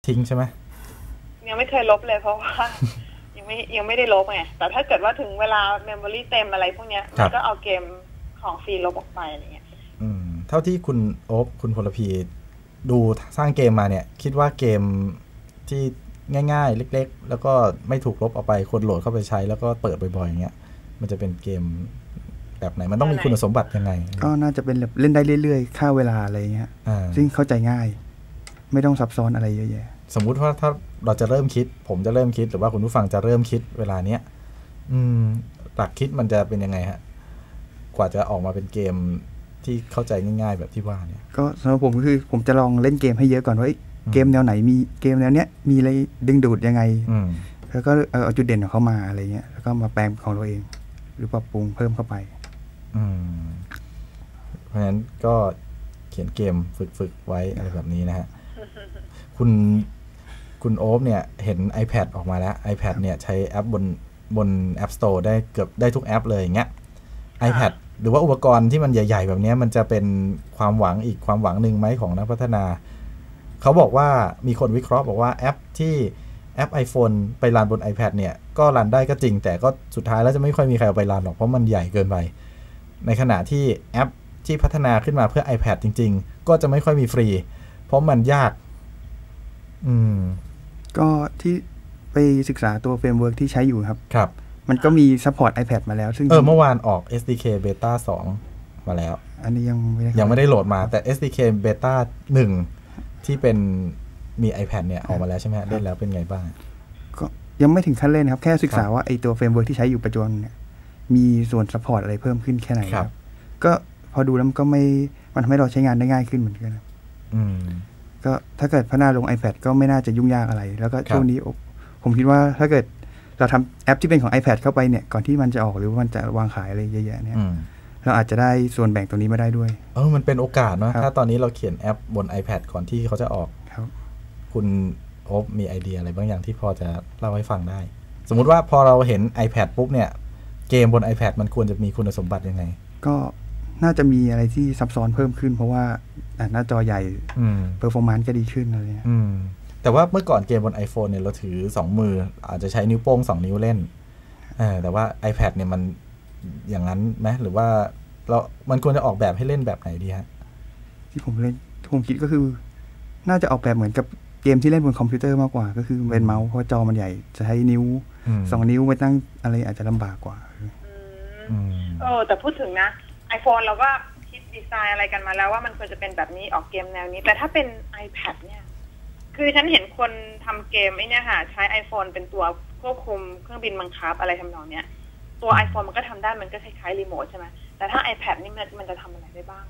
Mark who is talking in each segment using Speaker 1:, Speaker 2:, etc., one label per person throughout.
Speaker 1: ทิ้งใช่ไหม
Speaker 2: ยังไม่เคยลบเลยเพราะว่ายังไม่ได้ลบไงแต่ถ้าเกิดว่าถึงเวลาเมมโมรี่เต็มอะไรพวกเนี้ยมันก็เอาเกมของฟรีลบออกไปอะไรเงี้ย
Speaker 1: เท่าที่คุณโอ๊บคุณพลพีดูสร้างเกมมาเนี่ยคิดว่าเกมที่ง่ายๆเล็กๆแล้วก็ไม่ถูกลบออกไปคนโหลดเข้าไปใช้แล้วก็เปิดบ่อยๆอย่างเงี้ยมันจะเป็นเกมแบบไหนมันต้องมีคุณสมบัติยังไง
Speaker 3: ก็น่าจะเป็นเล่นได้เรื่อยๆฆ่าเวลาอะไรเงี้ยซึ่งเข้าใจง่ายไม่ต้องซับซ้อนอะไรเยอะแยะ
Speaker 1: สมมุติว่าถ้าเราจะเริ่มคิดผมจะเริ่มคิดหรือว่าคุณผู้ฟังจะเริ่มคิดเวลาเนี้ยหลักคิดมันจะเป็นยังไงฮะกว่าจะออกมาเป็นเกมที่เข้าใจง่ายๆแบบที่ว่าเนี่ย
Speaker 3: ก็สำหรับผมก็คือผมจะลองเล่นเกมให้เยอะก่อนว่าเกมแนวไหนมีเกมแนวเนี้ยมีอะไรดึงดูดยังไงแล้วก็เอาจุดเด่นของเขามาอะไรเงี้ยแล้วก็มาแปลงของเราเองหรือปรับปรุงเพิ่มเข้าไป
Speaker 1: เพราะฉะนั้นก็เขียนเกมฝึกไว้อะไรแบบนี้นะฮะคุณโอ๊บเนี่ยเห็น iPad ออกมาแล้ว iPad เนี่ยใช้แอปบน App Store ได้เกือบได้ทุกแอปเลยอย่างเงี้ย iPad หรือว่าอุปกรณ์ที่มันใหญ่ๆแบบนี้มันจะเป็นความหวังอีกความหวังหนึ่งไหมของนักพัฒนาเขาบอกว่ามีคนวิเคราะห์บอกว่าแอป iPhone ไปรันบน iPad เนี่ยก็รันได้ก็จริงแต่ก็สุดท้ายแล้วจะไม่ค่อยมีใครเอาไปรันหรอกเพราะมันใหญ่เกินไปในขณะที่แอปที่พัฒนาขึ้นมาเพื่อ iPad จริงๆก็จะไม่ค่อยมีฟรีเพราะมันยาก
Speaker 3: ก็ที่ไปศึกษาตัวเฟรมเวิร์กที่ใช้อยู่
Speaker 1: ครับ
Speaker 3: มันก็มีซัพพอร์ต iPad มาแล้วซึ่ง
Speaker 1: เมื่อวานออก SDK Beta 2 มาแล้ว
Speaker 3: อันนี้ยัง
Speaker 1: ไม่ได้โหลดมาแต่ SDK Beta 1 ที่เป็นมี iPad เนี่ยออกมาแล้วใช่ไหมเล่นแล้วเป็นไงบ้าง
Speaker 3: ก็ยังไม่ถึงขั้นเล่นครับแค่ศึกษาว่าไอตัวเฟรมเวิร์กที่ใช้อยู่ปัจจุบันเนี่ยมีส่วนซัพพอร์ตอะไรเพิ่มขึ้นแค่ไหนครับก็พอดูแล้วมันก็มันทำให้เราใช้งานได้ง่ายขึ้นเหมือนกันก็ถ้าเกิดพัฒนาลง iPad ก็ไม่น่าจะยุ่งยากอะไรแล้วก็ช่วงนี้ผมคิดว่าถ้าเกิดเราทำแอปที่เป็นของ iPad เข้าไปเนี่ยก่อนที่มันจะออกหรือว่ามันจะวางขายอะไรเยอะๆเนี่ยเราอาจจะได้ส่วนแบ่งตรงนี้มาได้ด้วย
Speaker 1: มันเป็นโอกาสเนาะถ้าตอนนี้เราเขียนแอปบน iPad ก่อนที่เขาจะออกคุณโอ๊บมีไอเดียอะไรบางอย่างที่พอจะเล่าให้ฟังได้สมมุติว่าพอเราเห็น iPad ปุ๊บเนี่ยเกมบน iPad มันควรจะมีคุณสมบัติยังไง
Speaker 3: ก็น่าจะมีอะไรที่ซับซ้อนเพิ่มขึ้นเพราะว่าหน้าจอใหญ่เพอร์ฟอร์แมนซ์ก็ดีขึ้นอะไรเงี้ย
Speaker 1: แต่ว่าเมื่อก่อนเกมบน iPhone เนี่ยเราถือ2มืออาจจะใช้นิ้วโป้ง2นิ้วเล่นแต่ว่า iPad เนี่ยมันอย่างนั้นไหมหรือว่ามันควรจะออกแบบให้เล่นแบบไหนดีฮะ
Speaker 3: ที่ผมคิดก็คือน่าจะออกแบบเหมือนกับเกมที่เล่นบนคอมพิวเตอร์มากกว่าก็คือเป็นเมาส์เพราะจอมันใหญ่จะใช้นิ้ว2นิ้วไปตั้งอะไรอาจจะลำบากกว่า
Speaker 2: แต่พูดถึงนะ iPhone เราก็คิดดีไซน์อะไรกันมาแล้วว่ามันควรจะเป็นแบบนี้ออกเกมแนวนี้แต่ถ้าเป็น iPad เนี่ยคือฉันเห็นคนทำเกมไอ้นี่ค่ะใช้ iPhone เป็นตัวควบคุมเครื่องบินบังคับอะไรทำนองเนี้ยตัว iPhone มันก็ทำได้มันก็คล้ายๆรีโมทใช่ไหมแต่ถ้า iPad นี่มันจะทำอะไรได้บ้าง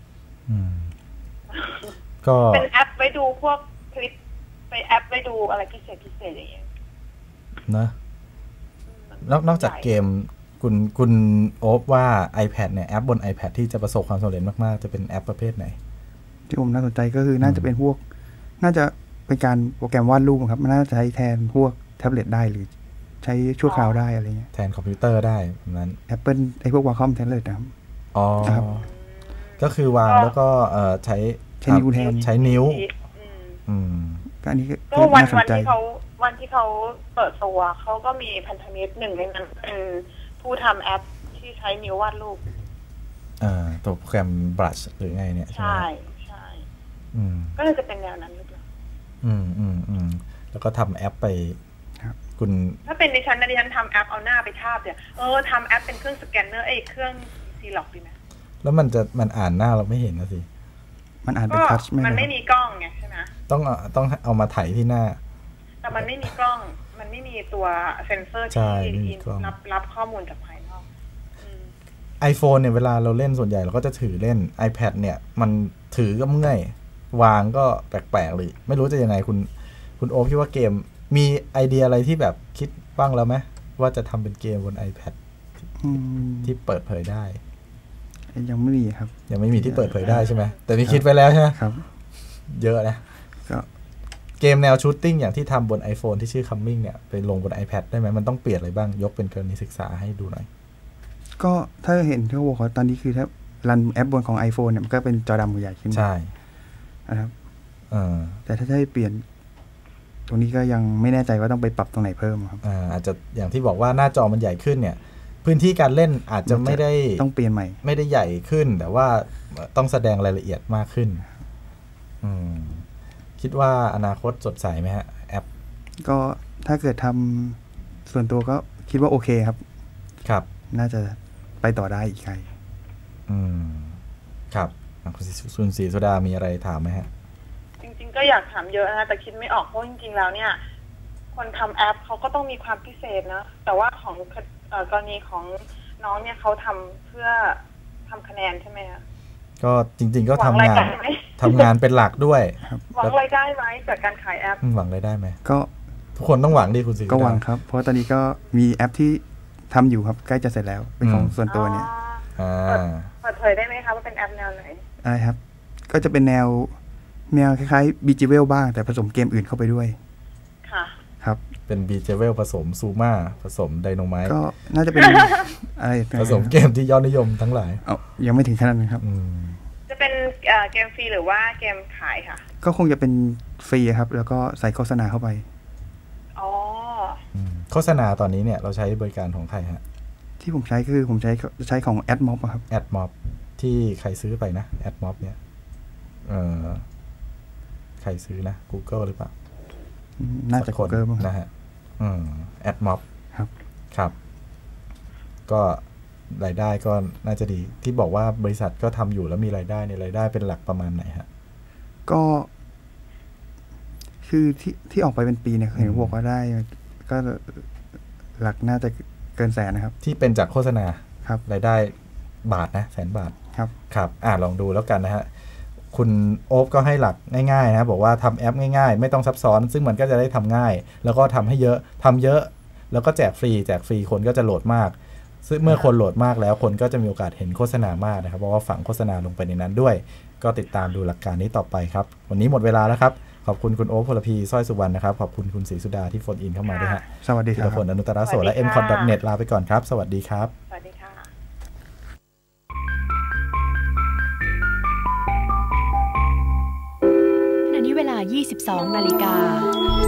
Speaker 1: ก็
Speaker 2: เป็นแอปไว้ดูพวกคลิปไปแอปไว้ดูอะไรพิเศษอย่างเงี้ย
Speaker 1: นะนอกจากเกมคุณโอ๊บว่า iPad เนี่ยแอปบน iPad ที่จะประสบความสำเร็จมากๆจะเป็นแอปประเภทไหน
Speaker 3: ที่ผมน่าสนใจก็คือน่าจะเป็นพวกน่าจะเป็นการโปรแกรมวาดรูปครับมันน่าจะใช้แทนพวกแท็บเล็ตได้หรือใช้ชั่วคราวได้อะไรเงี้ย
Speaker 1: แทนคอมพิวเตอร์ได้แบบนั้น
Speaker 3: Apple ไอ้พวก Wacom แท็บเล็ตนะครับ
Speaker 1: ก็คือวางแล้วก็ใช้
Speaker 3: นิ้วแทน
Speaker 1: ใช้นิ้ว
Speaker 3: ก็อันนี้
Speaker 2: ก็วันที่เขาเปิดตัวเขาก็มีพันธมิตรหนึ่งในนั้นเป็นผู้ทำแอปที่ใช้นิ้ววาดรูป
Speaker 1: ตัวโปรแกรม Brush หรือไงเนี่ย
Speaker 2: ใช่ก็เลยจะเป็นแนวนั้นหรือเปล่า
Speaker 1: แล้วก็ทำแอปไปคุณ
Speaker 2: ถ้าเป็นดิฉันทำแอปเอาหน้าไปทาบเนี่ยทำแอปเป็นเครื่องสแกนเนอร์เครื่องซีล็อกดีไหม
Speaker 1: แล้วมันอ่านหน้าเราไม่เห็นนะสิ
Speaker 3: มันอ่านเป็นทัช
Speaker 2: มันไม่มีกล้องไงใช่ไหม
Speaker 1: ต้องเอามาถ่ายที่หน้า
Speaker 2: แต่มันไม่มีกล้องมันไม่มีตัวเซ็นเซอร์ที่รับข้อมูลจากภายนอก
Speaker 1: iPhone เนี่ยเวลาเราเล่นส่วนใหญ่เราก็จะถือเล่น iPad เนี่ยมันถือก็เมื่อยวางก็แปลกๆเลยไม่รู้จะยังไงคุณโอคิดว่าเกมมีไอเดียอะไรที่แบบคิดบ้างแล้วไหมว่าจะทำเป็นเกมบน iPad ที่เปิดเผยได้
Speaker 3: ยังไม่มีครับ
Speaker 1: ยังไม่มีที่เปิดเผยได้ใช่ไหมแต่มีคิดไว้แล้วใช่ไหม
Speaker 3: ครับ
Speaker 1: เยอะนะเกมแนวชูตติ้งอย่างที่ทำบน iPhone ที่ชื่อ Coming เนี่ยไปลงบน iPad ได้ไหมมันต้องเปลี่ยนอะไรบ้างยกเป็นกรณีศึกษาให้ดูหน่อย
Speaker 3: ก็ถ้าเห็นที่เขาบอกตอนนี้คือถ้ารันแอปบนของ iPhone เนี่ยมันก็เป็นจอดำใหญ่ขึ้น
Speaker 1: ใช่
Speaker 3: นะครับแต่ถ้าจะให้เปลี่ยนตรงนี้ก็ยังไม่แน่ใจว่าต้องไปปรับตรงไหนเพิ่มครับ
Speaker 1: อาจจะอย่างที่บอกว่าหน้าจอมันใหญ่ขึ้นเนี่ยพื้นที่การเล่นอาจจะไม่ได้
Speaker 3: ต้องเปลี่ยนใหม่
Speaker 1: ไม่ได้ใหญ่ขึ้นแต่ว่าต้องแสดงรายละเอียดมากขึ้นคิดว่าอนาคตสดใสไหมฮะแอป
Speaker 3: ก็ถ้าเกิดทำส่วนตัวก็คิดว่าโอเคครับ
Speaker 1: ครับ
Speaker 3: น่าจะไปต่อได้อีกไกล
Speaker 1: ครับคุณศรีสุดามีอะไรถามไหมฮะ
Speaker 2: จริงๆก็อยากถามเยอะนะแต่คิดไม่ออกเพราะจริงๆแล้วเนี่ยคนทำแอปเขาก็ต้องมีความพิเศษนะแต่ว่าของกรณีของน้องเนี่ยเขาทำเพื่อทำคะแนนใช่ไหมคะ
Speaker 1: ก็จริงๆก็ทำงานเป็นหลักด้วย
Speaker 2: หวังรายได้ไหมจากการขายแอป
Speaker 1: หวังรายได้ไหม
Speaker 3: ก็
Speaker 1: ทุกคนต้องหวังดิคุณศรี
Speaker 3: ก็หวังครับเพราะตอนนี้ก็มีแอปที่ทำอยู่ครับใกล้จะเสร็จแล้วเป็นของส่วนตัวเนี่ย
Speaker 2: เปิดเผยได้ไหมคะว่าเป็นแอปแนวไหน
Speaker 3: อะไรครับก็จะเป็นแนวคล้ายๆบีจีเวลบ้างแต่ผสมเกมอื่นเข้าไปด้วย
Speaker 2: ค่ะ
Speaker 3: ครับ
Speaker 1: เป็นบีจีเวลผสมซูมาผสมไดโนไมท์
Speaker 3: ก็น่าจะเป็นอะไร
Speaker 1: ผสมเกมที่ยอดนิยมทั้งหลาย
Speaker 3: ยังไม่ถึงขนาดนั้นครับ
Speaker 2: จะเป็นเกมฟรีหรือว่าเกมขายค่ะ
Speaker 3: ก็คงจะเป็นฟรีครับแล้วก็ใส่โฆษณาเข้าไป
Speaker 1: โฆษณาตอนนี้เนี่ยเราใช้บริการของใครฮะ
Speaker 3: ที่ผมใช้คือผมใช้ของ AdMob ครับ
Speaker 1: AdMob ที่ใครซื้อไปนะ AdMob เนี่ยใครซื้อนะ Google หรือเปล่า
Speaker 3: น่าจะ Google
Speaker 1: นะฮะAdMob
Speaker 3: ครับ
Speaker 1: ครับก็รายได้ก็น่าจะดีที่บอกว่าบริษัทก็ทำอยู่แล้วมีรายได้ในรายได้เป็นหลักประมาณไหนฮะ
Speaker 3: ก็คือที่ออกไปเป็นปีเนี่ยเห็นบอกว่าได้ก็หลักน่าจะเกินแสนนะครับ
Speaker 1: ที่เป็นจากโฆษณา
Speaker 3: ครับ
Speaker 1: รายได้บาทนะ100,000 บาท
Speaker 3: ครับ
Speaker 1: ครับลองดูแล้วกันนะฮะคุณโอ๊บก็ให้หลักง่ายๆนะบอกว่าทำแอปง่ายๆไม่ต้องซับซ้อนซึ่งมันก็จะได้ทำง่ายแล้วก็ทำให้เยอะแล้วก็แจกฟรีคนก็จะโหลดมากซึ่งเมื่อคนโหลดมากแล้วคนก็จะมีโอกาสเห็นโฆษณามากนะครับเพราะว่าฝังโฆษณาลงไปในนั้นด้วยก็ติดตามดูหลักการนี้ต่อไปครับวันนี้หมดเวลาแล้วครับขอบคุณคุณโอ๊ค พลพีสร้อยสุวรรณนะครับขอบคุณคุณศรีสุดาที่โฟนอินเข้ามาด้วยฮะ
Speaker 3: สวัสดีครับ
Speaker 1: ผลอนุตตรโสและ mcon.net ลาไปก่อนครับสวัสดีครับ
Speaker 2: สวัสดีค่ะ
Speaker 4: ขณะนี้เวลา 22 นาฬิกา